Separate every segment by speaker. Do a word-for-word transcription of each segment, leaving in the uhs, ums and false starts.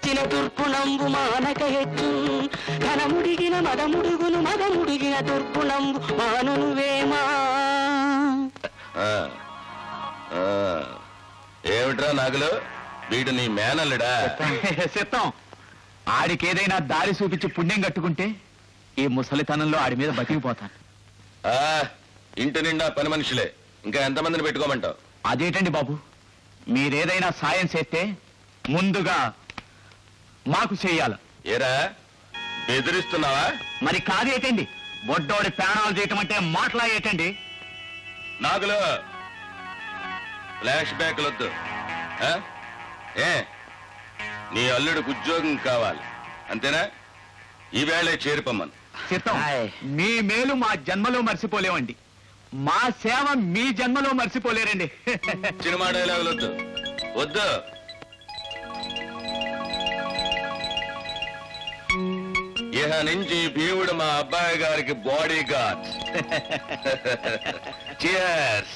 Speaker 1: మెచ్చిన తుర్పునంబు మానక హెచ్చు ఘనముడిగిన మదముడుగును మదముడిగిన తుర్పునంబు మానువేమా.
Speaker 2: ఏమిట్రా నాగులు, వీడు నీ మేనల్లుడా?
Speaker 3: సిద్ధం. ఆడికేదైనా దారి చూపించి పుణ్యం కట్టుకుంటే ఈ ముసలితనంలో ఆడి మీద బతికిపోతాను.
Speaker 2: ఇంటి నిండా పని మనుషులే, ఇంకా ఎంతమందిని పెట్టుకోమంటావు?
Speaker 3: అదేటండి బాబు, మీరేదైనా సాయం చేస్తే ముందుగా మాకు చెయ్యాల.
Speaker 2: ఏరా బెదిరిస్తున్నావా?
Speaker 3: మరి కాదేటండి, బొడ్డోడి ప్రాణాలు చేయటం అంటే మాట్లాడేటండి.
Speaker 2: నాగులు ఫ్లాష్ బ్యాక్ వద్దు. ఏ నీ అల్లుడికి ఉద్యోగం కావాలి అంతేనా? ఈవేళ చేరిపోమ్మను.
Speaker 3: చిత్తం, మీ మేలు మా జన్మలో మర్చిపోలేవండి, మా సేవ మీ జన్మలో మర్చిపోలేరండి.
Speaker 2: సినిమా డైలాగులు వద్దు వద్దు. ఇహ నుంచి భీముడు మా అబ్బాయి గారికి బాడీ గార్డ్. చియర్స్.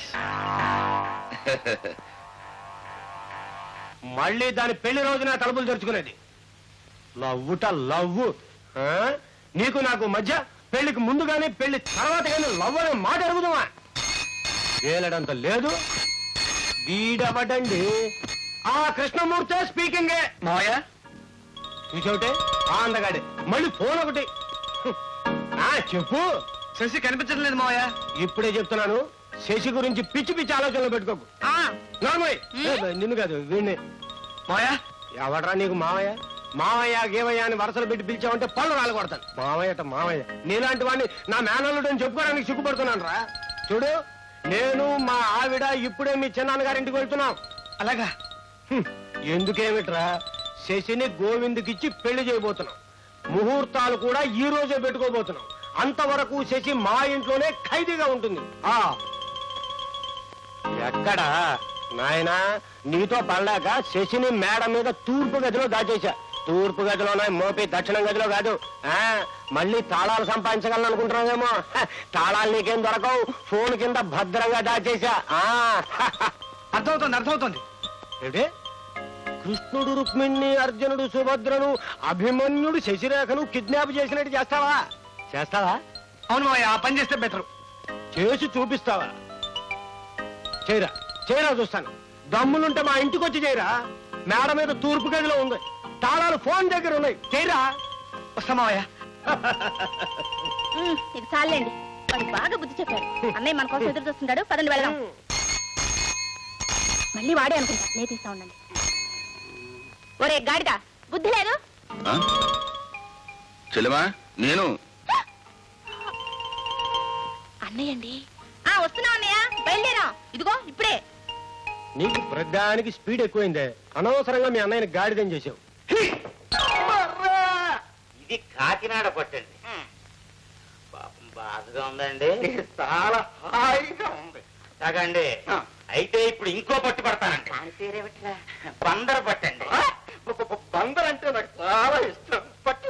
Speaker 4: మళ్ళీ దాని పెళ్లి రోజున తలుపులు తెరుచుకునేది. లవ్వుట లవ్వు. నీకు నాకు మధ్య పెళ్లికి ముందు గానీ పెళ్లి తర్వాత కానీ లవ్ అనే మాట అడుగుదామా? వేలడంత లేదు. వీడవడండి ఆ కృష్ణమూర్తే స్పీకింగే.
Speaker 3: మావయ్య
Speaker 4: చూసావుటే ఆ అందగాడే మళ్ళీ ఫోన్ ఒకటి. ఆ చెప్పు.
Speaker 3: శశి కనిపించడం లేదు మావయ్య.
Speaker 4: ఇప్పుడే చెప్తున్నాను, శశి గురించి పిచ్చి పిచ్చి ఆలోచనలు పెట్టుకోకు. నార్మల్ నిన్ను కాదు వీణ్ణి.
Speaker 3: మావయ్య
Speaker 4: ఎవడరా నీకు మావయ్య? మావయ్య గేవయ్య అని వరసలు పెట్టి పిలిచావంటే పళ్ళు రాలగొడతాను. మావయ్యట మావయ్య. నీలాంటి వాడిని నా మేనల్లుడు అని చెప్పుకోవడానికి సిగ్గుపడుతున్నాను రా. చూడు, నేను మా ఆవిడ ఇప్పుడే మీ చిన్నాన్నగారింటికి వెళ్తున్నాం.
Speaker 3: అలాగా?
Speaker 4: ఎందుకేమిట్రా, శశిని గోవిందుకిచ్చి పెళ్లి చేయబోతున్నాం. ముహూర్తాలు కూడా ఈ రోజే పెట్టుకోబోతున్నాం. అంతవరకు శశి మా ఇంట్లోనే ఖైదీగా ఉంటుంది. ఆ ఎక్కడా నాయనా, నీతో పడలేక శశిని మేడ మీద తూర్పు గదిలో దాచేశా. తూర్పు గదిలోనే మోపి దక్షిణం గదిలో కాదు. ఆ మళ్ళీ తాళాలు సంపాదించగలను అనుకుంటున్నావేమో. తాళాలు నీకేం దొరకవు, ఫోన్ కింద భద్రంగా దాచేశా.
Speaker 3: అర్థమవుతుంది అర్థమవుతుంది.
Speaker 4: ఏంటి, కృష్ణుడు రుక్మిణి అర్జునుడు సుభద్రను అభిమన్యుడు శశిరేఖను కిడ్నాప్ చేసినట్టు చేస్తావా? చేస్తావా?
Speaker 3: అవును మావయ్య, ఆ పని చేస్తే బెటరు.
Speaker 4: చేసి చూపిస్తావా? చేయరా చేయరా చూస్తాను. దమ్ములుంటే మా ఇంటికి వచ్చి చేయరా. మేడ మీద తూర్పు గదిలో ఉంది, తాళాలు ఫోన్ దగ్గర ఉన్నాయి. చేయరా.
Speaker 3: వస్తా మావయ్య.
Speaker 5: ఇది చాలండి, వాడు బాగా బుద్ధి చెప్పారు. అన్నయ్య మన కోసం ఎదురు చూస్తున్నాడు, పదండి వెళ్దాం. మళ్ళీ వాడే అనుకుంటా, నేను తీస్తా ఉండండి. ఒరే గాడిదా, బుద్ధి లేదు.
Speaker 2: చెల్లెమా నేను
Speaker 5: అన్నయ్య అండి. ఆ వస్తున్నా అన్నయ్య, బయలుదేరా. ఇదిగో ఇప్పుడే.
Speaker 4: నీకు ప్రధానికి స్పీడ్ ఎక్కువైందే, అనవసరంగా మీ అన్నయ్యని గాడిదం చేసావు.
Speaker 6: ఇది కాకినాడ పట్టండి. పాపం బాధగా ఉందండి, చాలా హాయిగా ఉంది. తాగండి. అయితే ఇప్పుడు ఇంకో పట్టు పడతానండి. బందర పట్టండి. బందర్ అంటే నాకు చాలా ఇష్టం. పట్టు.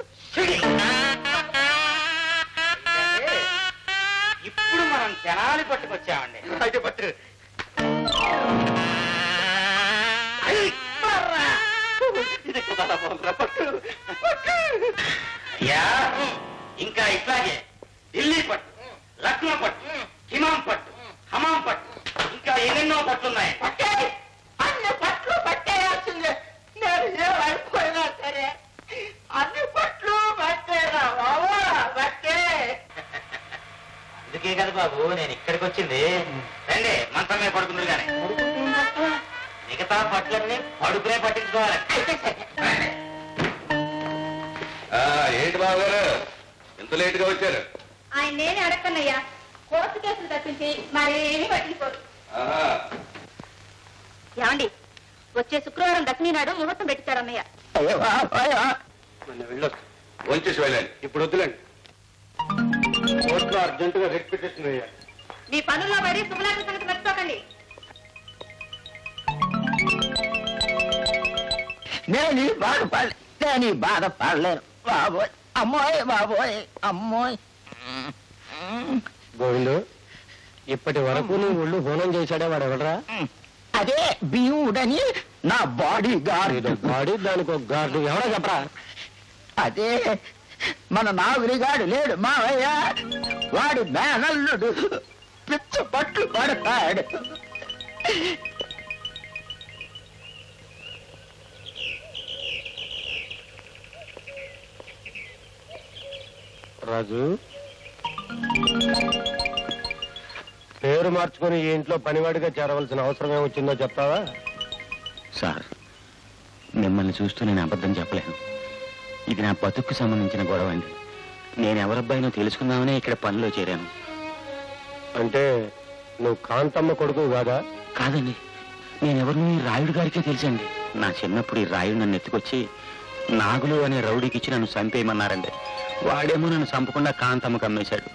Speaker 6: ఇప్పుడు మనం తెనాలి పట్టుకొచ్చామండి. అయితే పట్టు. ఇది కదా బందర పట్టు. అయ్యా, ఇంకా ఇట్లాగే ఢిల్లీ పట్టు, లక్నో పట్టు, హిమాం పట్టు, హమాం పట్టు, ఇంకా ఎన్నెన్నో పట్లున్నాయి. పట్టే అన్ని పట్లు పట్టేయాల్సిందే. నేను ఏమైపోయినా సరే అన్ని పట్లు పట్టేరా బాబా, పట్టే. అందుకే కదా బాబు నేను ఇక్కడికి వచ్చింది. రండి, మంచం మీద పడుకుంది కానీ మిగతా పట్లన్నీ పడుకునే పట్టించుకోవాలి.
Speaker 2: ఏంటి బాబు గారు ఎంత లేట్ గా వచ్చారు?
Speaker 5: ఆయన నేనే అడగన్నయ్యా, కోర్టు కేసులు తప్పించి మరేమీ పట్టించుకోరు. ఏమండి, వచ్చే శుక్రవారం దక్షిణీ నాడు ముహూర్తం పెట్టించారు అన్నయ్య.
Speaker 4: వెళ్ళొస్తా.
Speaker 2: వంచేసి వెళ్ళండి.
Speaker 4: ఇప్పుడు వద్దులేండి, కోర్టులో అర్జెంటుగా రిట్ పిటిషన్ వేయాలి.
Speaker 5: మీ పనుల్లో పడి శుభలాగ్న సంగతి మర్చిపోకండి.
Speaker 1: నేను ఈ బాధపడ నేను ఈ బాధపడలేను బాబోయ్. అమ్మోయ్ బాబోయ్ అమ్మోయ్.
Speaker 4: గోవిందు, ఇప్పటి వరకు నీ ఒళ్ళు హోనం చేశాడే వాడు ఎవడరా?
Speaker 1: అదే భీముడని నా బాడీ గార్డ్.
Speaker 4: ఏదో గాడి దానికి ఒక గార్డు ఎవరో చెప్పరా?
Speaker 1: అదే మన నాగురిగాడు లేడు మావయ్య, వాడి మేనల్లుడు పిచ్చ పట్లు పడతాడు.
Speaker 4: రాజు, పేరు మార్చుకుని ఈ ఇంట్లో పనివాడిగా చేరవలసిన అవసరం ఏమొచ్చిందో చెప్తావా?
Speaker 6: సార్, మిమ్మల్ని చూస్తూ నేను అబద్ధం చెప్పలేను. ఇది నా బతుక్కు సంబంధించిన గొడవ అండి. నేను ఎవరబ్బాయినో తెలుసుకుందామనే ఇక్కడ పనిలో చేరాను.
Speaker 4: అంటే నువ్వు కాంతమ్మ కొడుకు కాదా?
Speaker 6: కాదండి, నేనెవరిని ఈ రాయుడు గారికే తెలుసండి. నా చిన్నప్పుడు ఈ రాయుడు నన్ను ఎత్తుకొచ్చి నాగులు అనే రౌడీకి ఇచ్చి నన్ను చంపేయమన్నారండి. వాడేమో నన్ను చంపకుండా కాంతమ్మకు అమ్మేశాడు.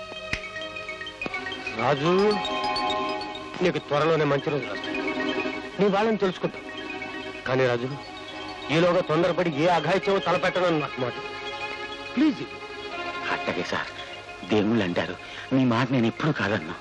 Speaker 4: రాజు, నీకు త్వరలోనే మంచి రోజు వస్తాయి. నీ వాళ్ళని తెలుసుకుంటా. కానీ రాజు, ఈలోగా తొందరపడి ఏ అఘాయిత్యమో తలపెట్టనని నాకు మాట. ప్లీజ్.
Speaker 6: అట్టగే సార్, దేవుళ్ళు అంటారు, మీ మాట నేను ఎప్పుడు కాదన్నా.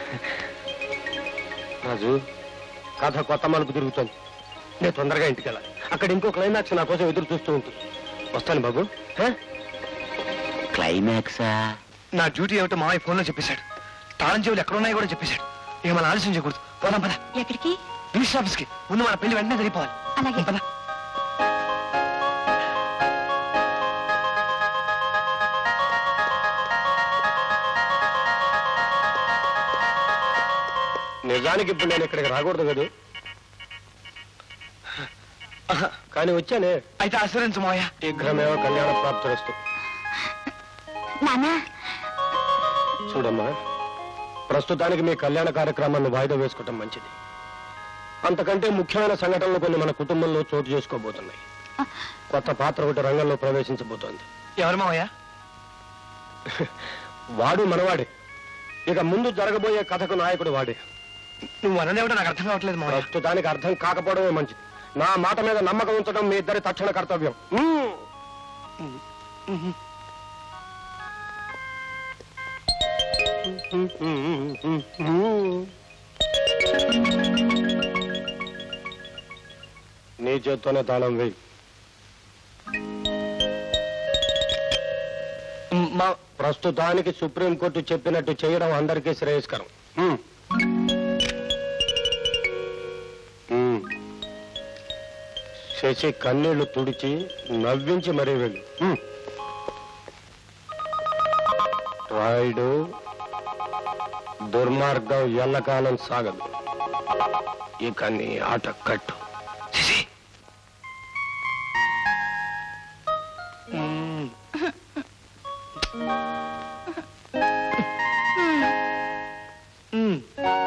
Speaker 4: రాజు, కథ కొత్త మలుపు తిరుగుతోంది. నేను తొందరగా ఇంటికి వెళ్ళాలి. అక్కడ ఇంకో క్లైమాక్స్ నా కోసం ఎదురు చూస్తూ ఉంటుంది. వస్తాను బాబు. హ?
Speaker 6: క్లైమాక్సా?
Speaker 7: నా డ్యూటీ ఏమిటో మావయ్య ఫోన్లో చెప్పేశాడు. తాళం చెవులు ఎక్కడున్నాయో కూడా చెప్పేశాడు. ఇక మనం ఆలస్యం చేయకూడదు. పోదాం పద.
Speaker 5: ఎక్కడికి?
Speaker 7: రిజిస్టర్ ఆఫీస్ కి. ముందు మన పెళ్లి వెంటనే జరిగిపోవాలి.
Speaker 5: అలాగే.
Speaker 7: పద.
Speaker 4: నిజానికి ఇప్పుడు నేను ఇక్కడికి రాకూడదు కదా, కానీ వచ్చానే.
Speaker 7: అయితే ఆశ్రయించు మావయ్య.
Speaker 4: శీఘ్రమేవో కళ్యాణ ప్రాప్తిరస్తు.
Speaker 5: నానా,
Speaker 4: చూడమ్మా, ప్రస్తుతానికి మీ కళ్యాణ కార్యక్రమాన్ని వాయిదా వేసుకోవటం మంచిది. అంతకంటే ముఖ్యమైన సంఘటనలు కొన్ని మన కుటుంబంలో చోటు చేసుకోబోతున్నాయి. కొత్త పాత్ర ఒకటి రంగంలో ప్రవేశించబోతోంది.
Speaker 7: ఎవరు మావయ్య?
Speaker 4: వాడు మనవాడే. ఇక ముందు జరగబోయే కథకు నాయకుడు వాడే.
Speaker 7: నువ్వు అన్నదేమిటో నాకు అర్థం కావట్లేదు మావయ్య.
Speaker 4: ప్రస్తుతానికి అర్థం కాకపోవడమే మంచిది. నా మాట మీద నమ్మకం ఉంచడం మీ ఇద్దరి తక్షణ కర్తవ్యం. నీ చేత్తోనే తాళం వేయి.
Speaker 7: మా
Speaker 4: ప్రస్తుతానికి సుప్రీంకోర్టు చెప్పినట్టు చేయడం అందరికీ శ్రేయస్కరం. హ్మ్. హ్మ్. శశి కన్నీళ్లు తుడిచి నవ్వించి మరీ వెళ్ళు. హ్మ్. రాయుడు, దుర్మార్గం ఎల్లకాలం సాగదు. ఇక నీ ఆట కట్టు.
Speaker 7: శశి. మ్మ్. మ్మ్.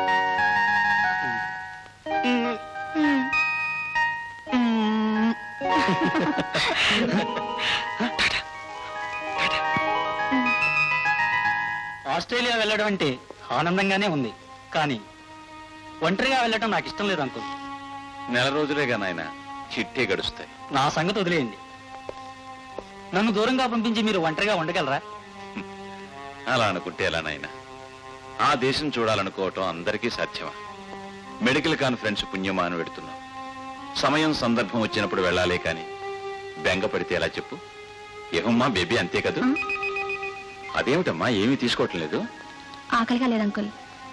Speaker 8: ఆస్ట్రేలియా వెళ్ళడం అంటే ఆనందంగానే ఉంది, కానీ ఒంటరిగా వెళ్ళడం నాకు ఇష్టం లేదు అంకుల్.
Speaker 2: నెల రోజులేగా నాయన, చిట్టే గడుస్తాయి.
Speaker 8: నా సంగతి వదిలేయండి. నన్ను దూరంగా పంపించి మీరు ఒంటరిగా ఉండగలరా?
Speaker 2: అలా అనుకుంటే ఎలా నాయన? ఆ దేశం చూడాలనుకోవటం అందరికీ సాధ్యమా? మెడికల్ కాన్ఫరెన్స్ పుణ్యమా అని పెడుతున్నాం. సమయం సందర్భం వచ్చినప్పుడు వెళ్ళాలే కానీ బెంగ పడితే ఎలా చెప్పు? ఏమమ్మా బేబీ, అంతే కదూ? అదేమిటమ్మా ఏమీ తీసుకోవటం లేదు?
Speaker 5: ఆకలిగా లేదు అంకుల్.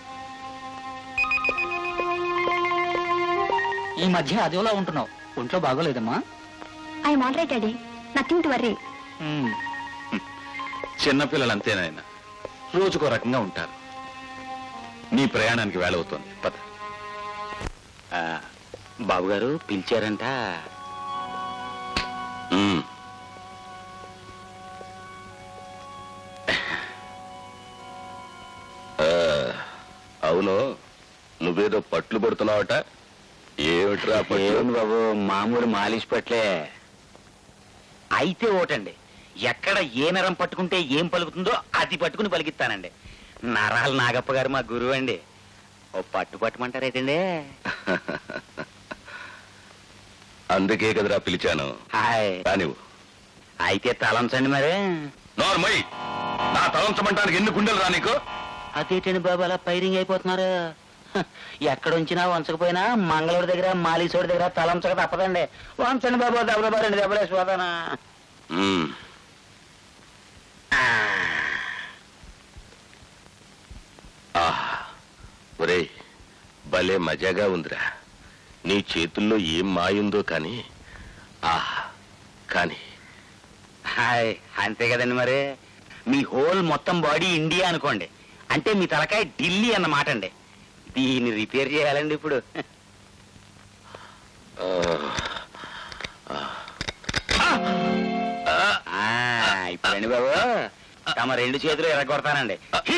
Speaker 8: ఈ మధ్య అదోలా ఉంటున్నావు, ఒంట్లో బాగోలేదమ్మా?
Speaker 5: I all right daddy, nothing to worry.
Speaker 8: మ్మ్.
Speaker 2: చిన్నపిల్లలు అంతేనాయన, రోజుకో రకంగా ఉంటారు. నీ ప్రయాణానికి వేళ అవుతోంది, పద.
Speaker 6: ఆ, బాబు గారు పిలిచారంట.
Speaker 2: ఉమ్. ఆ, అవును, నువ్వేదో పట్లు పడుతున్నావట. ఏమిట్రా పట్లు?
Speaker 6: ఏం బాబు, మామూలు మాలిష్ పట్లే. అయితే ఓటండి, ఎక్కడ ఏ నరం పట్టుకుంటే ఏం పలుకుతుందో అది పట్టుకుని పలికిస్తానండి. నరాలు నాగప్ప గారు మా గురువు అండి. ఓ పట్టు పట్టమంటారైతండి.
Speaker 2: అందుకే కదరా పిలిచాను.
Speaker 6: హాయ్.
Speaker 2: రానివ్వు.
Speaker 6: అయితే తలంచండి మరి.
Speaker 2: నార్మల్, నా తలంచమంటానికి ఎన్ని గుండెలు రా నీకు?
Speaker 6: అదేటండి బాబు అలా పైరింగ్ అయిపోతున్నారు? ఎక్కడుంచినా వంచకపోయినా మంగళూరు దగ్గర మాలీసోడి దగ్గర తలంచక తప్పదండి. వంచండి బాబు, దెబ్బ రెండు దెబ్బలేసిపోతానా.
Speaker 2: మ్మ్. ఆహా, ఒరేయ్ భలే మజాగా ఉందిరా. నీ చేతుల్లో ఏం మాయుందో కానీ ఆహా కానీ
Speaker 6: హాయ్, అంతే కదండి మరి. మీ హోల్ మొత్తం బాడీ ఇండియా అనుకోండి, అంటే మీ తలకాయ ఢిల్లీ అన్నమాట అండి. దీన్ని రిపేర్ చేయాలండి ఇప్పుడు.
Speaker 2: ఆ,
Speaker 6: ఆ, ఇప్పుడండి బాబు తమ రెండు చేతులు ఎరగొడతానండి.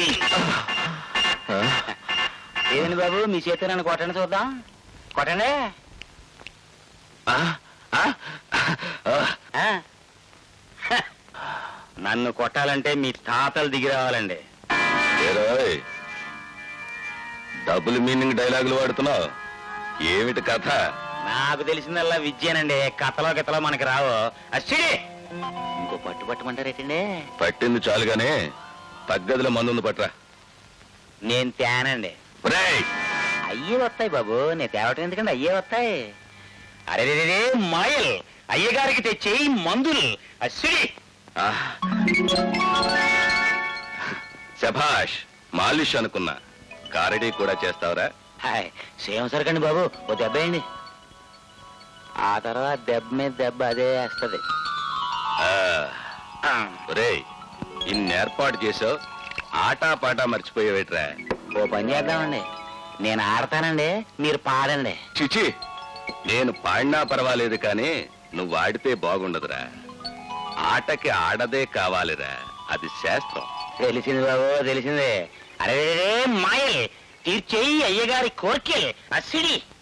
Speaker 6: ఏదండి బాబు, మీ చేతులు నన్ను కొట్టండి చూద్దాం. కొట్టండి.
Speaker 2: ఆ, ఆ, ఆ.
Speaker 6: ఆ? హ, నన్ను కొట్టాలంటే మీ తాతలు దిగి రావాలండి.
Speaker 2: ఏరోయ్, డబుల్ మీనింగ్ డైలాగులు వాడుతున్నావు, ఏమిటి కథ?
Speaker 6: నాకు తెలిసిందల్లా విద్యేనండి, కథలో గితలో మనకి రావు. అచ్చిడి ఇంకో పట్టు పట్టమంటారేటండి?
Speaker 2: పట్టింది చాలుగానే తగ్గదిలో మందుంది పట్రా.
Speaker 6: నేను తేనండి.
Speaker 2: ఒరేయ్,
Speaker 6: అయ్యే వస్తాయి బాబు, నేను తేవటం ఎందుకండి, అయ్యే వస్తాయి. అరే రే మాయల్, అయ్యగారికి తెచ్చి మందులు. అచ్చిడి
Speaker 2: ఆ. శభాష్, మాలిష్ అనుకున్నా, కారడీ కూడా చేస్తావురా?
Speaker 6: హాయ్, సేమ్ సరికండి బాబు, ఓ దెబ్బ వేయండి. ఆ తర్వాత దెబ్బ మీద దెబ్బ అదే వేస్తుంది.
Speaker 2: ఆ. ఒరేయ్, ఇన్ని ఏర్పాటు చేసావు, ఆటా పాటా మర్చిపోయేవేట్రా?
Speaker 6: ఓ పని చేద్దామండి, నేను ఆడతానండి, మీరు పాడండి.
Speaker 2: చిచి, నేను పాడినా పర్వాలేదు కానీ నువ్వు ఆడితే బాగుండదురా. ఆటకి ఆడదే కావాలిరా, అది శాస్త్రం.
Speaker 6: తెలిసింది బాబు, తెలిసింది. అరే మాయల్ తీర్చేయి అయ్యగారి కోర్కెల్. అసిడి